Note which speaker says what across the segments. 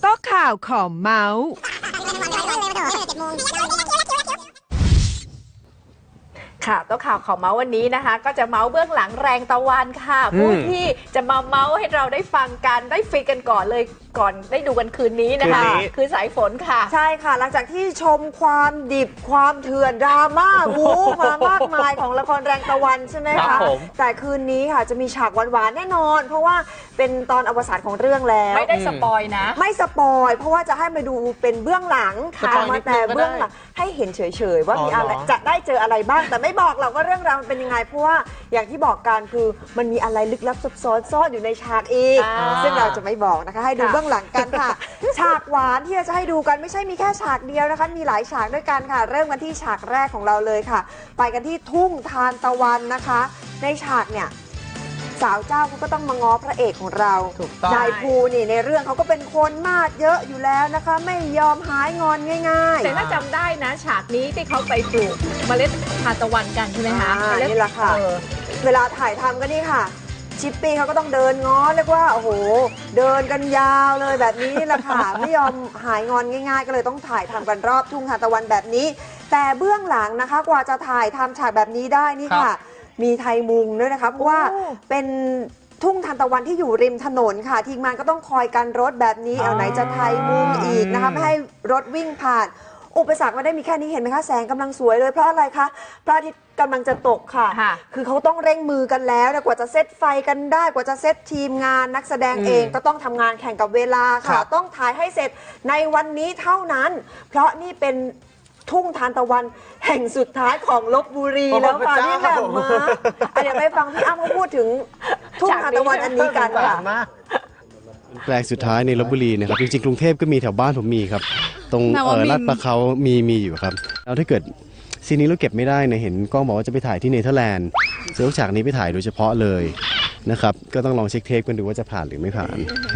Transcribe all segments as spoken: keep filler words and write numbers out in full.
Speaker 1: ต๊ะข่าวขอเมาส์
Speaker 2: ค่ะโต๊ะข่าวของเมาส์วันนี้นะคะก็จะเมาส์เบื้องหลังแรงตะวันค่ะผู้ที่จะมาเมาส์ให้เราได้ฟังกันได้ฟินกันก่อนเลยก่อนได้ดูกันคืนนี้นะคะคือสายฝนค่ะ
Speaker 3: ใช่ค่ะหลังจากที่ชมความดิบความเถื่อนดราม่าวูมามากมายของละครแรงตะวันใช่ไหมคะแต่คืนนี้ค่ะจะมีฉากหวานๆแน่นอน เพราะว่าเป็นตอนอวสานของเรื่องแล้ว
Speaker 2: ไม่ได้สปอยนะ
Speaker 3: ไม่สปอยเพราะว่าจะให้มาดูเป็นเบื้องหลังมาแต่เบื้องหลังให้เห็นเฉยๆว่ามีอะไรจะได้เจออะไรบ้างแต่ไม่บอกเราก็เรื่องราวมันเป็นยังไงเพราะว่าอย่างที่บอกกันคือมันมีอะไรลึกลับซับซ้อนซ่อนอยู่ในฉากอีกซึ่งเราจะไม่บอกนะคะให้ดูเบื้องหลังกันค่ะฉากหวานที่จะให้ดูกันไม่ใช่มีแค่ฉากเดียวนะคะมีหลายฉากด้วยกันค่ะเริ่มกันที่ฉากแรกของเราเลยค่ะไปกันที่ทุ่งทานตะวันนะคะในฉากเนี่ยสาวเจ้าเขาก็ต้องมาง้อพระเอกของเรานายภูนี่ในเรื่องเขาก็เป็นคนมาดเยอะอยู่แล้วนะคะไม่ยอมหายงอนง่ายๆ
Speaker 2: แต่ถ้าจำได้นะฉากนี้ที่เขาไปปลูกเมล็ดทานตะวันกันใช่ไหมคะ
Speaker 3: นี่แหละค่ะเวลาถ่ายทำก็นี่ค่ะชิปปี้เขาก็ต้องเดินง้อเรียกว่าโอ้โหเดินกันยาวเลยแบบนี้นี่แหละค่ะไม่ยอมหายงอนง่ายๆก็เลยต้องถ่ายทำกันรอบทุ่งทานตะวันแบบนี้แต่เบื้องหลังนะคะกว่าจะถ่ายทำฉากแบบนี้ได้นี่ค่ะมีไทยมุงด้วยนะคะเพราะว่าเป็นทุ่งทานตะวันที่อยู่ริมถนนค่ะทีมงานก็ต้องคอยกันรถแบบนี้เอาไหนจะไทยมุงอีกนะคะไม่ให้รถวิ่งผ่านอุปสรรคไม่ได้มีแค่นี้เห็นไหมคะแสงกำลังสวยเลยเพราะอะไรคะพระอาทิตย์กำลังจะตกค่ะคือเขาต้องเร่งมือกันแล้วกว่าจะเซตไฟกันได้กว่าจะเซตทีมงานนักแสดงเองก็ต้องทำงานแข่งกับเวลาค่ะต้องถ่ายให้เสร็จในวันนี้เท่านั้นเพราะนี่เป็นทุ่งทานตะวันแห่งสุดท้ายของลพบุรีแล้วค่ะพี่แหม่มมาเดี๋ยวไปฟังพี่อ้ำเขาพูดถึงทุ่งทานตะวันอันนี้กันค่ะ
Speaker 4: แปลงสุดท้ายในลพบุรีนะครับจริงๆกรุงเทพก็มีแถวบ้านผมมีครับตรงเออลาดปลาเขามีมีอยู่ครับแล้วถ้าเกิดซีนนี้เราเก็บไม่ได้เนี่ยเห็นกล้องบอกว่าจะไปถ่ายที่เนเธอร์แลนด์ซื้อฉากนี้ไปถ่ายโดยเฉพาะเลยนะครับก็ต้องลองเช็คเทปกันดูว่าจะผ่านหรือไม่ผ่าน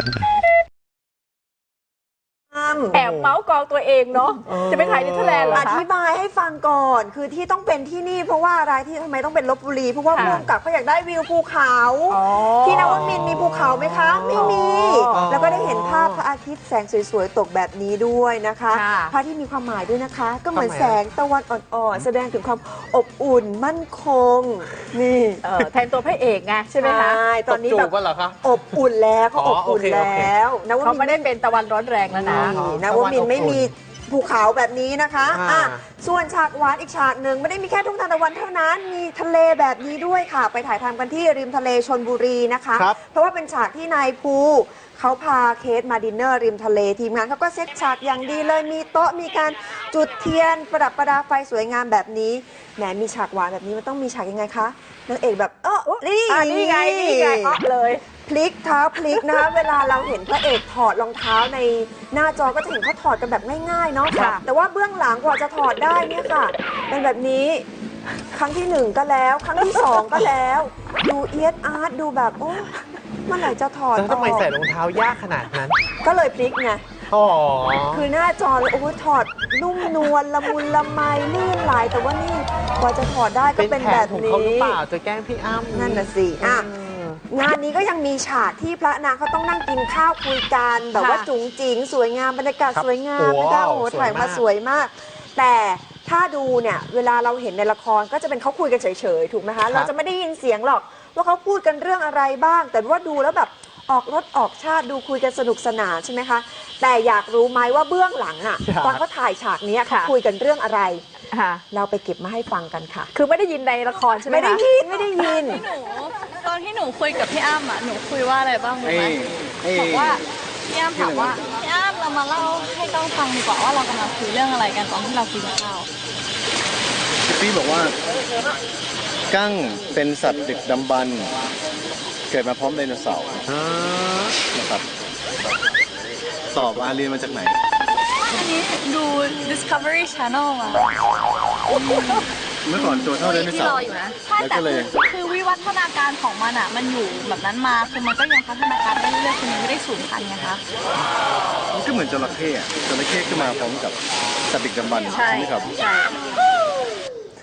Speaker 2: แอบเมาส์กองตัวเองเนาะจะไปถ่ายเนเธอร์แลนด์เหรอคะ
Speaker 3: อธิบายให้ฟังก่อนคือที่ต้องเป็นที่นี่เพราะว่าอะไรที่ทำไมต้องเป็นลพบุรีเพราะว่าผู้กำกับเขาอยากได้วิวภูเขาที่นวมินทร์มีภูเขาไหมคะไม่มีแล้วก็ได้เห็นภาพพระอาทิตย์แสงสวยๆตกแบบนี้ด้วยนะคะพระที่มีความหมายด้วยนะคะก็เหมือนแสงตะวันอ่อนๆแสดงถึงความอบอุ่นมั่นคงนี่
Speaker 2: แทนตัวพระเอกไงใช่ไหมคะ
Speaker 3: ตอนนี้แบบอบอุ่นแล้วเขาอบอุ่นแล้ว
Speaker 2: เขาไม่ได้เป็นตะวันร้อนแรงแล้วนะ
Speaker 3: นวมินทร์ไม่มีภูเขาแบบนี้นะคะอ่ะส่วนฉากหวานอีกฉากหนึ่งไม่ได้มีแค่ทุ่งทานตะวันเท่านั้นมีทะเลแบบนี้ด้วยค่ะไปถ่ายทำกันที่ริมทะเลชลบุรีนะคะเพราะว่าเป็นฉากที่นายภูเขาพาเคสมาดินเนอร์ริมทะเลทีมงานเขาก็เซตฉากอย่างดีเลยมีโต๊ะมีการจุดเทียนประดับประดาไฟสวยงามแบบนี้แหมมีฉากหวานแบบนี้มันต้องมีฉากยังไงคะนางเอกแบบเออนี่
Speaker 2: นี่ไงนี่ไงอ๊อเลย
Speaker 3: พลิกเท้าพลิกนะคะเวลาเราเห็นพระเอกถอดรองเท้าในหน้าจอก็จะเห็นเขาถอดกันแบบง่ายๆเนาะแต่ว่าเบื้องหลังกว่าจะถอดได้เนี่ยค่ะเป็นแบบนี้ครั้งที่หนึ่งก็แล้วครั้งที่สองก็แล้วดูเอียดอาร์ตดูแบบโอ้เมื่อไหร่จะถอด
Speaker 5: ทำไมใส่รองเท้ายากขนาดนั้น
Speaker 3: ก็เลยพลิกไงคือหน้าจอเลยโอ้ถอดนุ่มนวลละมุนละไมลื่นไหลแต่ว่านี่กว่าจะถอดได้ก็เป็นแบบนี้
Speaker 5: เป็นแผนของเขาหรือเปล่าจะแกล้งพี่อ้ำ
Speaker 3: นั่นน่ะสิอ่ะงานนี้ก็ยังมีฉากที่พระนางเขาต้องนั่งกินข้าวคุยกันแบบว่าจุ๋งจิ๋งสวยงามบรรยากาศสวยงามนะคะโอ้โหถ่ายมาสวยมากแต่ถ้าดูเนี่ยเวลาเราเห็นในละครก็จะเป็นเขาคุยกันเฉยๆถูกไหมคะเราจะไม่ได้ยินเสียงหรอกว่าเขาพูดกันเรื่องอะไรบ้างแต่ว่าดูแล้วแบบออกรถออกชาติดูคุยกันสนุกสนานใช่ไหมคะแต่อยากรู้ไหมว่าเบื้องหลังอ่ะตอนเขาถ่ายฉากนี้เขาคุยกันเรื่องอะไรเราไปเก็บมาให้ฟังกันค่ะ
Speaker 2: คือไม่ได้ยินในละครใช่ไหม
Speaker 3: ไม่ได้ยินไม่ได้ยิน
Speaker 6: ตอนที่หนูคุยกับพี่อ้ำอ่ะหนูคุยว่าอะไรบ้างรู้ไหมบอกว่าพี่อ้ำถามว่าพี่อ้ำเรามาเล่าให้ก้องฟังดีกว่าว่าเรากำลังคุยเรื่องอะไรกันตอนที่เรากินข้าว
Speaker 4: พี่บอกว่ากั้งเป็นสัตว์ดึกดำบรรพ์เกิดมาพร้อมไดโนเสาร์นะครับตอบอาเรียนมาจากไหน
Speaker 6: อันนี้ดู Discovery Channel มา
Speaker 4: เมื่อก่อนตัวเท่าไดโนเสาร์
Speaker 6: ใช่แต่คือวิวัฒนาการของมันอ่ะมันอยู่แบบนั้นมาคือมันก็ยังพัฒนาการได้เรื่อยๆคือมันไม่ได้สูญพันธุ์ไงคะ
Speaker 4: มันก็เหมือนจระเข้จระเข้ขึ้นมาพร้อมกับสัตว์ดึกดำบรรพ์ใช่ไหมครับ
Speaker 6: ใช่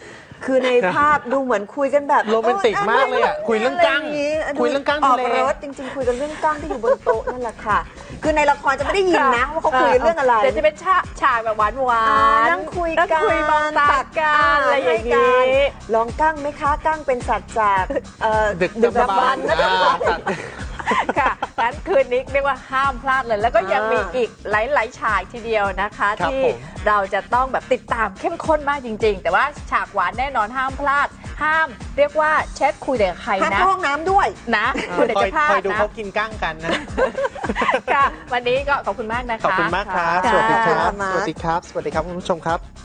Speaker 3: คือในภาพดูเหมือนคุยกันแบบ
Speaker 5: โรแมนติกมากเลยอะคุยเรื่องกั้ง
Speaker 3: ะไย่า
Speaker 5: คุยเรื่องกั้ง
Speaker 3: ออ
Speaker 5: ทะ
Speaker 3: ก
Speaker 5: เล
Speaker 3: รถจริง ๆ คุยกันเรื่องกั้งที่อยู่บนโต๊ะนั่นแหละค่ะ คือในละครจะไม่ได้ยินนะว่าเขาคุยเรื่องอะไร
Speaker 2: เดี๋ยวจะเป็นฉากฉากแบบหวานหวา
Speaker 3: อ่าน นั่งคุย
Speaker 2: นั่ง
Speaker 3: กัน
Speaker 2: คุยมองตากันอะไรอย่าง
Speaker 3: ให้
Speaker 2: นี้
Speaker 3: ลองกั้งไหมคะกั้งเป็นสัตว์จากเอ่อ
Speaker 5: ดึก
Speaker 3: ดึก
Speaker 5: ดำ
Speaker 3: ดำ
Speaker 5: บร
Speaker 3: บร
Speaker 5: ร
Speaker 3: ร
Speaker 5: พ์
Speaker 3: พ์นะ
Speaker 5: อ่า
Speaker 3: คะ
Speaker 5: สัตว์
Speaker 2: ค่ะงั้นคืนนี้เรียกว่าห้ามพลาดเลย แล้วก็ยัง
Speaker 3: อ่ามี
Speaker 2: มีอีกหลาย ๆ ฉากทีเดียวนะคะ
Speaker 5: ครับ
Speaker 2: ที่
Speaker 5: ผม
Speaker 2: เราจะต้องแบบติดตามเข้มข้นมากจริง ๆ แต่ว่าฉากหวานแน่นอนห้ามพลาด ห้ามเรียกว่าแชทคุยแต่กับใคร
Speaker 3: ห้าม
Speaker 2: นะ
Speaker 3: เข้าห้องน้ำด้วย
Speaker 2: นะคุณเดี๋ยว
Speaker 5: คอ
Speaker 2: จะ
Speaker 5: ย
Speaker 2: พลา
Speaker 5: ค
Speaker 2: ด
Speaker 5: อยดู
Speaker 2: นะ
Speaker 5: เขากินกั้งกันนะ
Speaker 2: ค่ะ วันนี้ก็ขอบคุณมากนะคะ
Speaker 5: ขอบคุณมากครับ
Speaker 2: ค่ะ
Speaker 5: สวัสดีครับ
Speaker 3: ค่ะ
Speaker 5: สวัสดีครับ สวัสดีครับคุณผู้ชมครับ